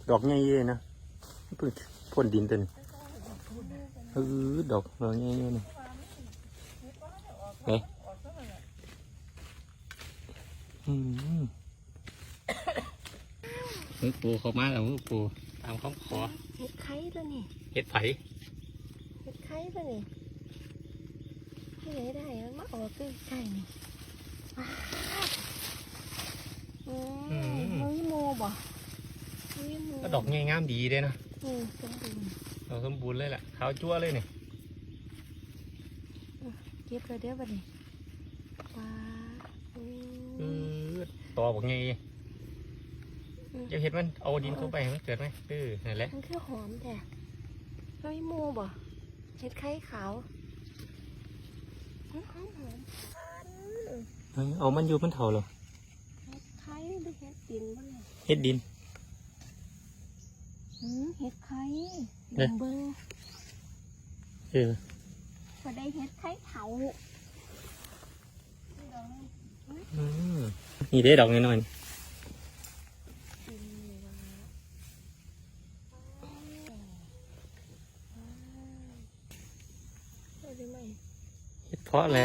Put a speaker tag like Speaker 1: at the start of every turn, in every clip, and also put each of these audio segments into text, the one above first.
Speaker 1: ดอกใหญ่เลยนะเพิ่งพ่นดินตัวนี้ดอกใหญ่เลยนี่เอ๊ะมือปูเขามาแล้วมือปูตามคำขอ
Speaker 2: เห็ดไข่แล้วนี่
Speaker 1: เห็ดไผ่
Speaker 2: เห็ดไข่แล้วนี่ที่ไหนได้มาออกใกล้ๆนี่มันโมบ่
Speaker 1: ก็ดอกใหญ่งามดีเลยนะ
Speaker 2: สมบูรณ์
Speaker 1: ดอกสมบูรณ์เลยแหละขาวจั่วเลยนี่
Speaker 2: เก็บเลยเดี๋ยวบัดนี้ว้า
Speaker 1: ต่อบอกไงจะเห็นมันเอาดินเข้าไปมันเกิดไหมนั่นแหละ
Speaker 2: มันคือหอมแต่ไม่โมบ่เห็ดไข่ขาวหอ
Speaker 1: มเอามันอยู่มันเท่าหรอ
Speaker 2: เห็ดไข่หรือเห็ดดินบ้าง
Speaker 1: เห็ดดิน
Speaker 2: เห็ดไข่เบิ้งพอได้เห็ดไข่เถา
Speaker 1: นี่ได้ดอกน้อยเห็ดเพาะแล้ว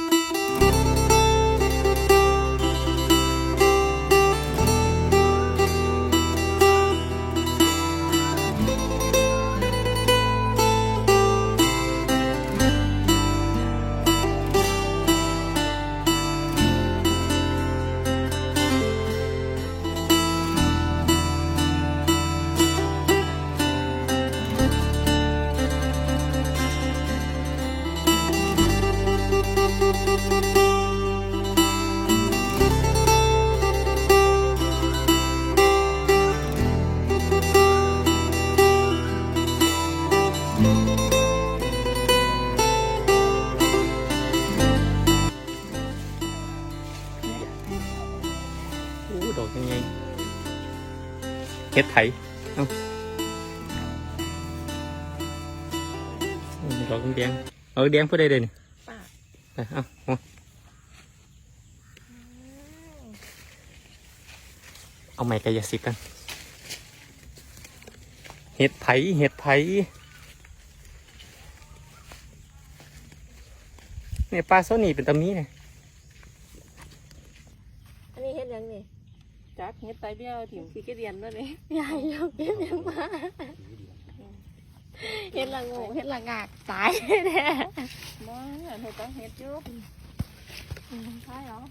Speaker 1: ดอกยังไงเห็ดไผ่ดอกแดงแดงพูดได้เลยนี่เอาไม้กายสิทธิ์กันเห็ดไผ่เนี่ยปลาโซนี่เป็นตะมีเนี่ย
Speaker 2: อันนี้เห็ดยังนี่
Speaker 3: จักเห็ดไตเบี้ยวถิ่มพี่ก็เรียนด้วยนี่
Speaker 2: ใหญ่เราเก็บยังมาเห็ดละงูเห็ดละงากตายแน่
Speaker 3: บ่เห็ดต้องเห็ดจุ๊บใช่เหรอ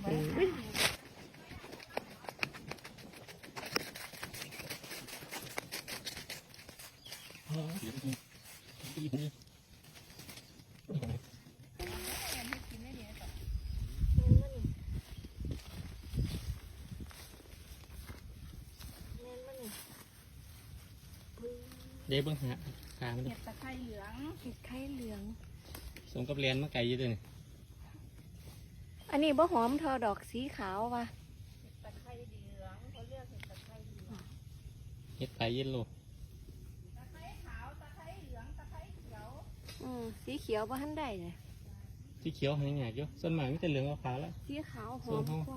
Speaker 1: เดี๋ยวเบิ่งหามัน
Speaker 3: เห็ดตะไคร้เหลือง
Speaker 2: เห็ดไข่เหลือง
Speaker 1: สมกับเรียนมาไกลอยู่ด้วยนี่
Speaker 2: อันนี้บ่หอมทอดอกสีขาวว่ะ
Speaker 3: เห็ดตะไคร้เหลืองเขาเรียกเห็ดตะไคร้เหลือง
Speaker 1: เห็ดไผ่เย็นโล
Speaker 3: ตะไคร้ขาวตะไคร้เหลืองตะไคร้เขียว
Speaker 2: สีเขียวบ่ทันได้เลย
Speaker 1: สีเขียวหายหยาดอยู่ส่วนมากมีแต่เหลืองกับขาวแล้ว
Speaker 2: สีขาวหอมกว่า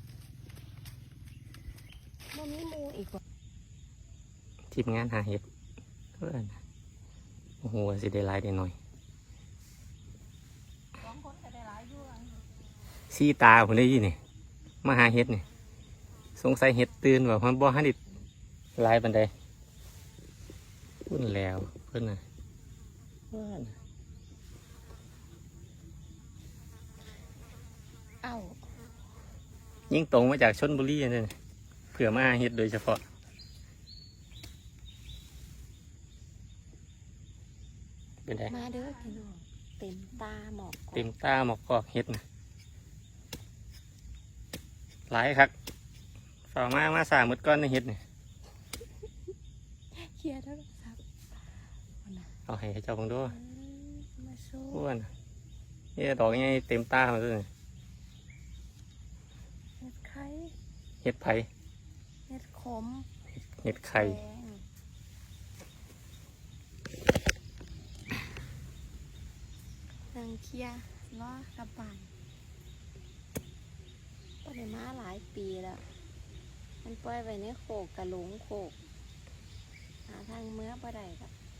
Speaker 2: บ่มีมูอีกว่า
Speaker 1: ทีมงานหาเห็ดโอ้โหสิได้หลายได้หน่อย
Speaker 3: 2 คนก็ได้หลายอยู่
Speaker 1: สีตาผมได้ยินนี่มาหาเห็ดนี่สงสัยเห็ดตื่นว่ามันบ่ฮันดิลายบันไดพุ่นแล้วเพิ่นน่ะยิ่งตรงมาจากชลบุรีนี่เผื่อมาเห็ดโดยเฉพาะเป็นไง
Speaker 2: มาเด้อพี่น้องเต็มตาหมอก
Speaker 1: กอกเห็ดนะหลายครับฝ่ามาสร้างมืดก้อนในเห็ดนี่
Speaker 2: เคลียร์แล้วครับ
Speaker 1: เอาให้เจ้าของด้วย
Speaker 2: มาโซ่
Speaker 1: อ้วนนี่ดอกยังไงเต็มตามาเลย
Speaker 2: เห็ดไข่
Speaker 1: เห็ดไผ่
Speaker 2: เห็ดขม
Speaker 1: เห็ดไข่
Speaker 2: นางเคียล้อกับป่านปล่อยมาหลายปีแล้วมันปล่อยไว้ในโขกกระหลงโขกหาทางเมื่อบ่ได้ก็